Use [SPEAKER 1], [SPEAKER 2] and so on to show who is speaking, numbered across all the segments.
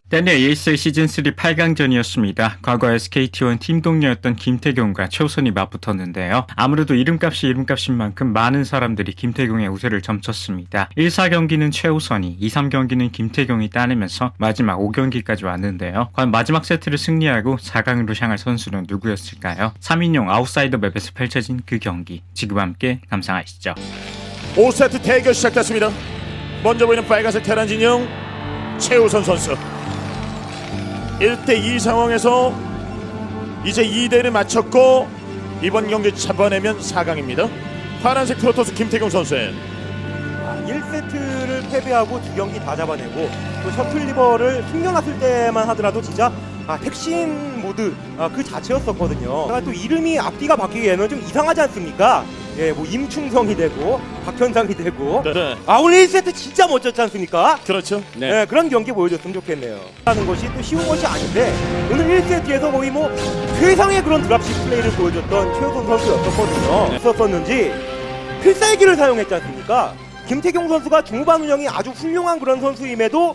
[SPEAKER 1] 때는 ESL 시즌3 8강전이었습니다. 과거 SKT1 팀 동료였던 김태경과 최우선이 맞붙었는데요. 아무래도 이름값이 이름값인 만큼 많은 사람들이 김태경의 우세를 점쳤습니다. 1, 4경기는 최우선이, 2, 3경기는 김태경이 따내면서 마지막 5경기까지 왔는데요. 과연 마지막 세트를 승리하고 4강으로 향할 선수는 누구였을까요? 3인용 아웃사이더 맵에서 펼쳐진 그 경기, 지금 함께 감상하시죠.
[SPEAKER 2] 5세트 대결 시작됐습니다. 먼저 보이는 빨간색 테란 진영 최우선 선수 1대2 상황에서 이제 2대1을 마쳤고 이번 경기 잡아내면 4강입니다. 파란색 프로토스 김태경 선수의
[SPEAKER 3] 1세트를 패배하고 2경기 다 잡아내고 또 셔틀 리버를 숨겨놨을 때만 하더라도 진짜 택신 모드 그 자체였었거든요. 제가 또 이름이 앞뒤가 바뀌기에는 좀 이상하지 않습니까? 예, 뭐 임충성이 되고 박현상이 되고
[SPEAKER 2] 네.
[SPEAKER 3] 오늘 1세트 진짜 멋졌지 않습니까?
[SPEAKER 2] 그렇죠.
[SPEAKER 3] 네. 그런 경기 보여줬으면 좋겠네요. 하는 것이 또 쉬운 것이 아닌데 오늘 1세트에서 거의 뭐 최상의 그런 드랍십 플레이를 보여줬던 최우선 선수였었거든요. 있었었는지 필살기를 사용했지 않습니까? 김태경 선수가 중후반 운영이 아주 훌륭한 그런 선수임에도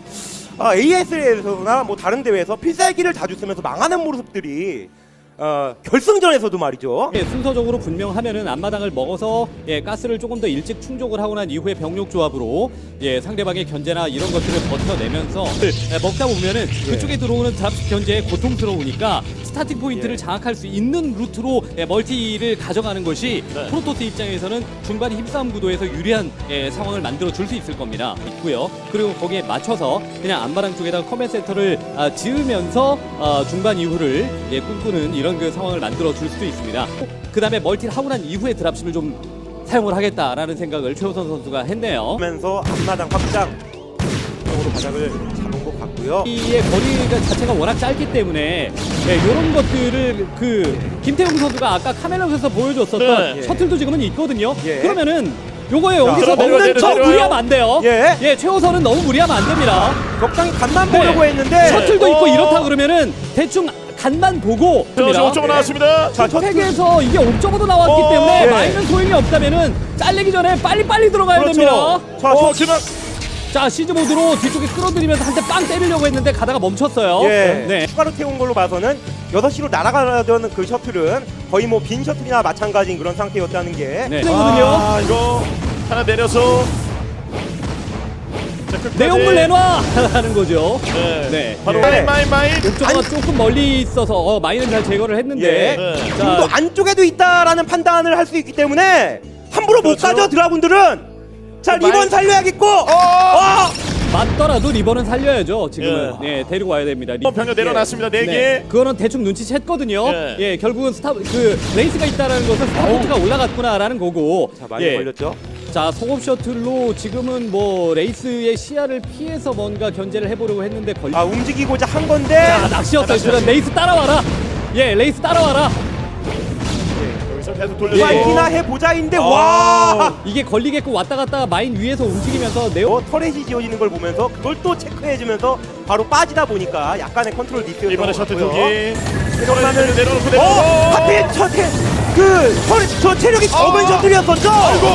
[SPEAKER 3] ASL에서나 뭐 다른 대회에서 필살기를 자주 쓰면서 망하는 모습들이 결승전에서도 말이죠.
[SPEAKER 4] 예, 순서적으로 분명하면은 앞마당을 먹어서 가스를 조금 더 일찍 충족을 하고 난 이후에 병력 조합으로 상대방의 견제나 이런 것들을 버텨내면서 먹다 보면은 그쪽에 들어오는 드랍십 견제에 고통스러우니까 스타팅 포인트를 장악할 수 있는 루트로 멀티를 가져가는 것이 프로토스 입장에서는 중반 힘싸움 구도에서 유리한 상황을 만들어 줄 수 있을 겁니다. 있고요. 그리고 거기에 맞춰서 그냥 앞마당 쪽에다가 커맨 센터를 지으면서 중반 이후를 꿈꾸는 이런 그 상황을 만들어 줄 수도 있습니다. 그 다음에 멀티를 하고 난 이후에 드랍십을 좀 사용을 하겠다라는 생각을 최우선 선수가 했네요.
[SPEAKER 3] 그러면서 앞마당 확장 쪽으로 바닥을 잡은 것 같고요.
[SPEAKER 4] 이의 거리가 자체가 워낙 짧기 때문에 이런 것들을 김태웅 선수가 아까 카멜라에서 보여줬었던 셔틀도 지금은 있거든요. 그러면은 요거에 여기서 먹는 척 무리하면 안 돼요. 최우선은 너무 무리하면 안 됩니다.
[SPEAKER 3] 적당히 간만 보려고 했는데
[SPEAKER 4] 셔틀도 있고 이렇다 그러면은 대충 간만 보고
[SPEAKER 2] 옥저버 나왔습니다.
[SPEAKER 3] 자,
[SPEAKER 4] 팩에서 이게 옥저버도 나왔기 때문에 마이는 소용이 없다면은 잘리기 전에 빨리빨리 들어가야 됩니다. 자, 시즈 모드로 뒤쪽에 끌어들이면서 한 대 빵 때리려고 했는데 가다가 멈췄어요.
[SPEAKER 3] 추가로 태운 걸로 봐서는 6시로 날아가려던 그 셔틀은 거의 뭐 빈 셔틀이나 마찬가지인 그런 상태였다는 게
[SPEAKER 4] 되거든요.
[SPEAKER 2] 이거 하나 내려서
[SPEAKER 4] 내용물 내놔! 하는 거죠.
[SPEAKER 2] 바로 마인
[SPEAKER 4] 옥저버가 조금 멀리 있어서 마인은 잘 제거를 했는데
[SPEAKER 3] 좀 더 안쪽에도 있다라는 판단을 할 수 있기 때문에 함부로 못 가죠 드라군들은. 자, 리본 살려야겠고
[SPEAKER 4] 맞더라도 리버는 살려야죠. 지금은 데리고 와야 됩니다.
[SPEAKER 2] 병력 내려놨습니다. 4개.
[SPEAKER 4] 그거는 대충 눈치챘거든요. 결국은 레이스가 있다라는 것은 스타포트가 올라갔구나라는 거고.
[SPEAKER 3] 자, 많이 걸렸죠.
[SPEAKER 4] 자, 속업 셔틀로 지금은 뭐 레이스의 시야를 피해서 뭔가 견제를 해보려고 했는데
[SPEAKER 3] 움직이고자 한 건데.
[SPEAKER 4] 자, 낚시였어요. 그럼 레이스 따라와라. 레이스 따라와라.
[SPEAKER 2] 여기서 계속 돌려서
[SPEAKER 3] 파이팅이나 해보자인데 와
[SPEAKER 4] 이게 걸리겠고 왔다 갔다 마인 위에서 움직이면서
[SPEAKER 3] 터렛이 지어지는 걸 보면서 그걸 또 체크해주면서 바로 빠지다 보니까 약간의 컨트롤 미스였던
[SPEAKER 2] 이번에
[SPEAKER 3] 것
[SPEAKER 2] 셔틀
[SPEAKER 3] 같고요.
[SPEAKER 2] 2개
[SPEAKER 3] 내려놓고 하필 저 체력이 적은 셔틀이었었죠.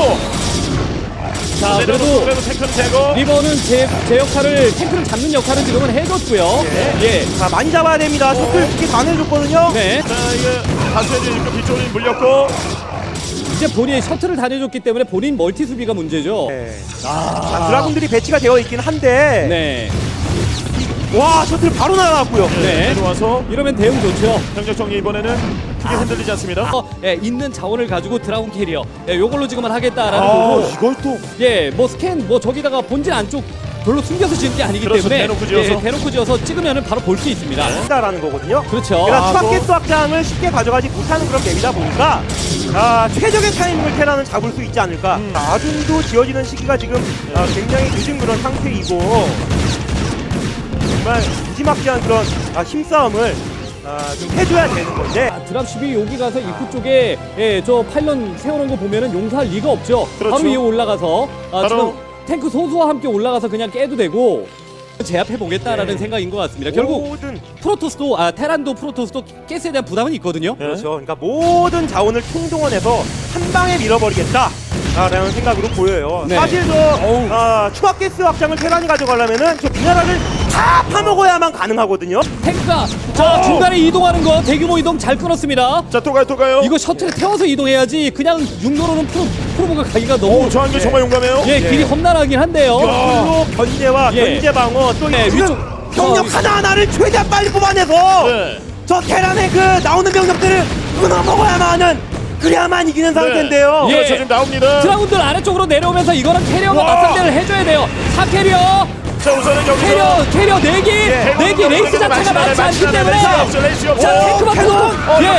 [SPEAKER 4] 자, 그래도
[SPEAKER 2] 탱크는 제거.
[SPEAKER 4] 리버는 제 역할을 탱크를 잡는 역할은 지금은 해줬고요.
[SPEAKER 3] 자, 많이 잡아야 됩니다. 셔틀 두개 다 내줬거든요.
[SPEAKER 2] 자, 이게 다수의 일꾼 뒤쪽으로 물렸고
[SPEAKER 4] 이제 본인의 셔틀을 다 내줬기 때문에 본인 멀티 수비가 문제죠.
[SPEAKER 3] 자, 드라군들이 배치가 되어 있긴 한데 와, 셔틀 바로 날아갔고요.
[SPEAKER 2] 들어와서
[SPEAKER 4] 이러면 대응 좋죠.
[SPEAKER 2] 병력 정리 이번에는 크게 흔들리지 않습니다.
[SPEAKER 4] 있는 자원을 가지고 드라군 캐리어 요걸로 지금은 하겠다라는 거고.
[SPEAKER 3] 이걸 또
[SPEAKER 4] 뭐 스캔 저기다가 본진 안쪽 별로 숨겨서 지은 게 아니기 때문에 대놓고 지어서 찍으면은 바로 볼 수 있습니다.
[SPEAKER 3] 한다라는 거거든요.
[SPEAKER 4] 그렇죠.
[SPEAKER 3] 그러니까 추가게스 확장을 쉽게 가져가지 못하는 그런 맵이다 보니까 최적의 타이밍을 테라는 잡을 수 있지 않을까. 아둔도 지어지는 시기가 지금 굉장히 늦은 그런 상태이고 정말 무지막지한 그런 힘싸움을 좀 해줘야 되는 건데.
[SPEAKER 4] 드랍십이 여기 가서 입구 쪽에 저 파일런 세워놓은 거 보면은 용서할 리가 없죠.
[SPEAKER 2] 그렇죠.
[SPEAKER 4] 바로 위에 올라가서
[SPEAKER 2] 바로
[SPEAKER 4] 지금 탱크 소수와 함께 올라가서 그냥 깨도 되고 제압해 보겠다라는 생각인 것 같습니다. 결국
[SPEAKER 3] 모든
[SPEAKER 4] 프로토스도 테란도 프로토스도 가스에 대한 부담은 있거든요.
[SPEAKER 3] 그렇죠. 그러니까 모든 자원을 총동원해서 한 방에 밀어버리겠다. 라는 생각으로 보여요. 사실 추가 가스 확장을 테란이 가져가려면은 저 미네랄을 다 다 파먹어야만 가능하거든요.
[SPEAKER 4] 탱크가 자 중간에 이동하는 거 대규모 이동 잘 끊었습니다.
[SPEAKER 2] 자, 또 가요.
[SPEAKER 4] 이거 셔틀에 태워서 이동해야지 그냥 육로로는 프로브가 가기가 너무
[SPEAKER 2] 저 한개 정말 용감해요.
[SPEAKER 4] 예 길이 험난하긴 한데요.
[SPEAKER 3] 그리고 견제와
[SPEAKER 4] 예.
[SPEAKER 3] 견제 방어 또
[SPEAKER 4] 네,
[SPEAKER 3] 지금
[SPEAKER 4] 위쪽-
[SPEAKER 3] 병력 하나하나를 최대한 빨리 뽑아내서
[SPEAKER 2] 네.
[SPEAKER 3] 저 테란의 그 나오는 병력들을 끊어 먹어야만 하는 그래야만 이기는 상태인데요.
[SPEAKER 4] 예.
[SPEAKER 2] 그렇죠, 지금 나옵니다.
[SPEAKER 4] 드라군들 아래쪽으로 내려오면서 이거는 캐리어가
[SPEAKER 2] 와.
[SPEAKER 4] 맞상대를 해줘야 돼요. 4캐리어
[SPEAKER 2] 자, 우선은 여기서
[SPEAKER 4] 캐리어 4기
[SPEAKER 2] 예.
[SPEAKER 4] 4기 레이스 자체가 많지 않기 때문에
[SPEAKER 2] 레이스 없어.
[SPEAKER 4] 자 탱크만 또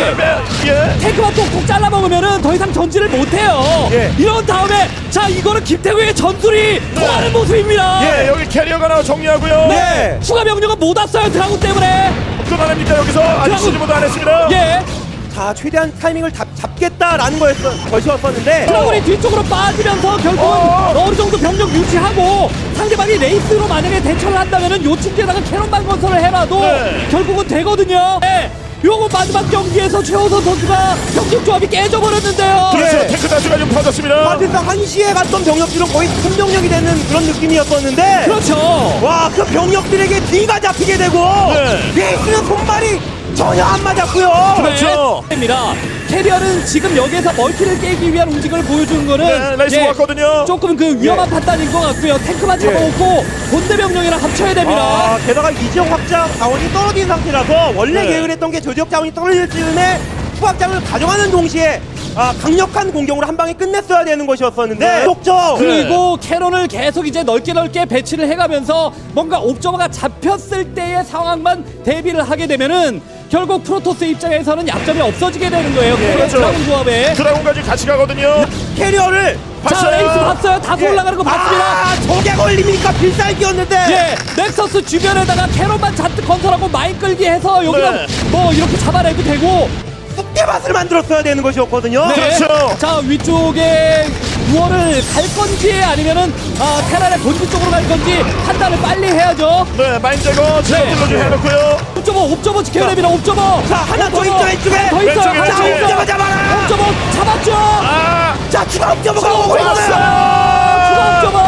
[SPEAKER 2] 예.
[SPEAKER 4] 탱크만 톡톡 잘라먹으면은 더 이상 전진을 못해요.
[SPEAKER 3] 예.
[SPEAKER 4] 이런 다음에 자 이거는 김태구의 전술이 통하는 모습입니다.
[SPEAKER 2] 예, 여기 캐리어가 나와 정리하고요.
[SPEAKER 3] 네.
[SPEAKER 4] 추가 병력은 못 왔어요 드라군 때문에.
[SPEAKER 2] 끊어냅니까 여기서? 아직
[SPEAKER 4] 드라군.
[SPEAKER 2] 시즈모도 안 했습니다.
[SPEAKER 4] 예
[SPEAKER 3] 자 최대한 타이밍을 잡겠다라는 것이었었는데
[SPEAKER 4] 드라군이 뒤쪽으로 빠지면서 결국은 어느 정도 병력 유지하고 상대방이 레이스로 만약에 대처를 한다면은 요충지에다가 캐논만 건설을 해놔도
[SPEAKER 2] 네.
[SPEAKER 4] 결국은 되거든요. 네. 요거 마지막 경기에서 최호선 선수가 경기 조합이 깨져버렸는데요.
[SPEAKER 2] 그렇죠.
[SPEAKER 3] 예.
[SPEAKER 2] 탱크 다수가 좀 터졌습니다.
[SPEAKER 3] 사실상 한시에 갔던 병력들은 거의 승병력이 되는 그런 느낌이었었는데
[SPEAKER 4] 그렇죠.
[SPEAKER 3] 와 그 병력들에게 뒤가 잡히게 되고
[SPEAKER 2] 네.
[SPEAKER 3] 레이스는 손발이 전혀 안 맞았고요.
[SPEAKER 2] 그렇죠.
[SPEAKER 4] 입니다. 캐리어는 지금 여기에서 멀티를 깨기 위한 움직임을 보여주는 거는
[SPEAKER 2] 네, 레이스 왔거든요.
[SPEAKER 4] 조금 그 위험한 판단인 것 같고요. 탱크만 잡아먹고 본대 병력이랑 합쳐야 됩니다.
[SPEAKER 3] 아, 게다가 이 지역 확장 자원이 떨어진 상태라서 원래
[SPEAKER 2] 네.
[SPEAKER 3] 계획을 했던 게 저 지역 자원이 떨어질 즈음에 후확장을 가져가는 동시에 강력한 공격으로 한 방에 끝냈어야 되는 것이었었는데
[SPEAKER 2] 네.
[SPEAKER 3] 속죠.
[SPEAKER 4] 그리고 캐논을 계속 이제 넓게 배치를 해가면서 뭔가 옵저버가 잡혔을 때의 상황만 대비를 하게 되면은 결국 프로토스 입장에서는 약점이 없어지게 되는 거예요. 캐리어
[SPEAKER 2] 그렇죠.
[SPEAKER 4] 드라군 조합에.
[SPEAKER 2] 드라군까지 같이 가거든요.
[SPEAKER 3] 캐리어를
[SPEAKER 4] 자
[SPEAKER 2] 봤어요.
[SPEAKER 4] 레이스 봤어요. 다소 올라가는 거 봤습니다.
[SPEAKER 3] 아, 저게 걸립니까? 필살기였는데.
[SPEAKER 4] 예, 넥서스 주변에다가 캐논만 잔뜩 건설하고 마인 끌기 해서 여기다
[SPEAKER 2] 네.
[SPEAKER 4] 뭐 이렇게 잡아내도 되고.
[SPEAKER 3] 쑥대밭을 만들었어야 되는 것이었거든요.
[SPEAKER 4] 네.
[SPEAKER 2] 그렇죠.
[SPEAKER 4] 자 위쪽에 유어를 갈 건지 아니면은 테란의 본진 쪽으로 갈 건지 판단을 빨리 해야죠.
[SPEAKER 2] 네, 마인 제거 제거들로 좀 해놓고요.
[SPEAKER 4] 옵저버 지켜야 됩니다. 옵저버.
[SPEAKER 3] 자, 하나 더 있죠, 왼쪽에.
[SPEAKER 4] 더 있어요.
[SPEAKER 2] 왼쪽에,
[SPEAKER 4] 하나 더
[SPEAKER 2] 왼쪽에.
[SPEAKER 4] 있어요.
[SPEAKER 3] 옵저버 잡아라.
[SPEAKER 4] 옵저버 잡았죠.
[SPEAKER 2] 아,
[SPEAKER 3] 자, 추가 옵저버가 오고
[SPEAKER 2] 왔어요.
[SPEAKER 3] 있어요.
[SPEAKER 4] 추가 옵저버.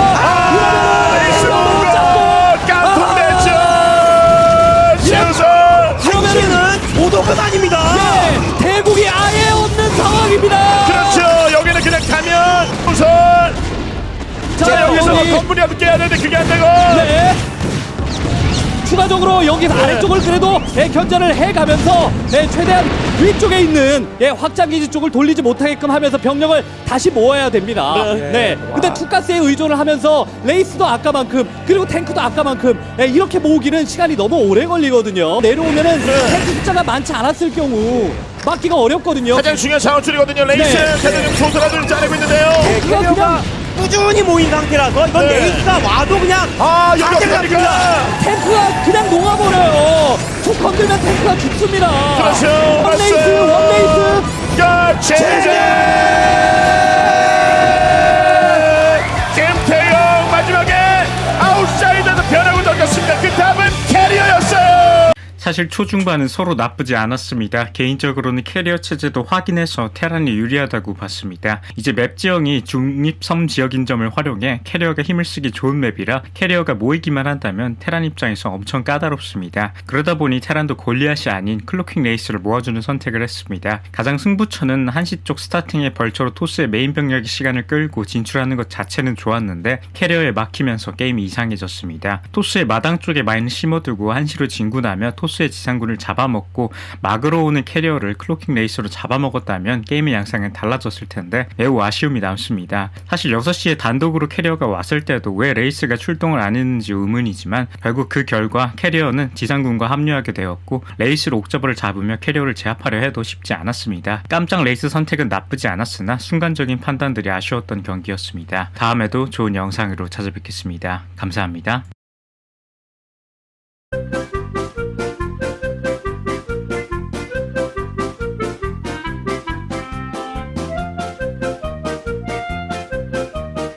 [SPEAKER 2] 레이스
[SPEAKER 4] 이러면은
[SPEAKER 2] 못
[SPEAKER 4] 잡고.
[SPEAKER 2] 깡통됐죠. 지우선.
[SPEAKER 3] 한시는 도도급 아닙니다.
[SPEAKER 4] 예, 대국이 아예 없는 상황입니다.
[SPEAKER 2] 그렇죠. 여기는 그냥 가면 우선. 자, 여기서 건물이라도 깨야 되는데 그게 안 되고.
[SPEAKER 4] 네. 추가적으로 여기서 아래쪽을 그래도 견제를 해가면서 최대한 위쪽에 있는 확장기지 쪽을 돌리지 못하게끔 하면서 병력을 다시 모아야 됩니다. 네. 근데 투가스에 의존을 하면서 레이스도 아까만큼 그리고 탱크도 아까만큼 이렇게 모으기는 시간이 너무 오래 걸리거든요. 내려오면은 탱크 숫자가 많지 않았을 경우 막기가 어렵거든요.
[SPEAKER 2] 가장 중요한 자원줄이거든요. 레이스
[SPEAKER 4] 네.
[SPEAKER 2] 대단히 조선화들을 짜내고 있는데요.
[SPEAKER 4] 탱크가 그냥
[SPEAKER 3] 꾸준히 모인 상태라서 이건
[SPEAKER 2] 네.
[SPEAKER 3] 레이스가 와도 그냥
[SPEAKER 2] 아, 여기
[SPEAKER 3] 상대를
[SPEAKER 2] 어떡합니까?
[SPEAKER 3] 잡습니다.
[SPEAKER 4] 탱크가 그냥 녹아버려요. 툭 건들면 탱크가 죽습니다.
[SPEAKER 2] 그렇죠.
[SPEAKER 4] 원레이스
[SPEAKER 2] 맞아요.
[SPEAKER 4] 원레이스.
[SPEAKER 2] 야, 제재! 김태형 마지막에 아웃사이더도 변하고 넘겼습니다. 그 다음은 캐리어였어요.
[SPEAKER 1] 사실 초중반은 서로 나쁘지 않았습니다. 개인적으로는 캐리어 체제도 확인해서 테란이 유리하다고 봤습니다. 이제 맵 지형이 중립섬 지역인 점을 활용해 캐리어가 힘을 쓰기 좋은 맵이라 캐리어가 모이기만 한다면 테란 입장에서 엄청 까다롭습니다. 그러다 보니 테란도 골리앗이 아닌 클로킹 레이스를 모아주는 선택을 했습니다. 가장 승부처는 한시 쪽 스타팅의 벌처로 토스의 메인 병력이 시간을 끌고 진출하는 것 자체는 좋았는데 캐리어에 막히면서 게임이 이상해졌습니다. 토스의 마당 쪽에 마인을 심어두고 한시로 진군하며 토스의 지상군을 잡아먹고 막으로 오는 캐리어를 클로킹 레이스로 잡아먹었다면 게임의 양상은 달라졌을 텐데 매우 아쉬움이 남습니다. 사실 6시에 단독으로 캐리어가 왔을 때도 왜 레이스가 출동을 안 했는지 의문이지만 결국 그 결과 캐리어는 지상군과 합류하게 되었고 레이스로 옥저버를 잡으며 캐리어를 제압하려 해도 쉽지 않았습니다. 깜짝 레이스 선택은 나쁘지 않았으나 순간적인 판단들이 아쉬웠던 경기였습니다. 다음에도 좋은 영상으로 찾아뵙겠습니다. 감사합니다.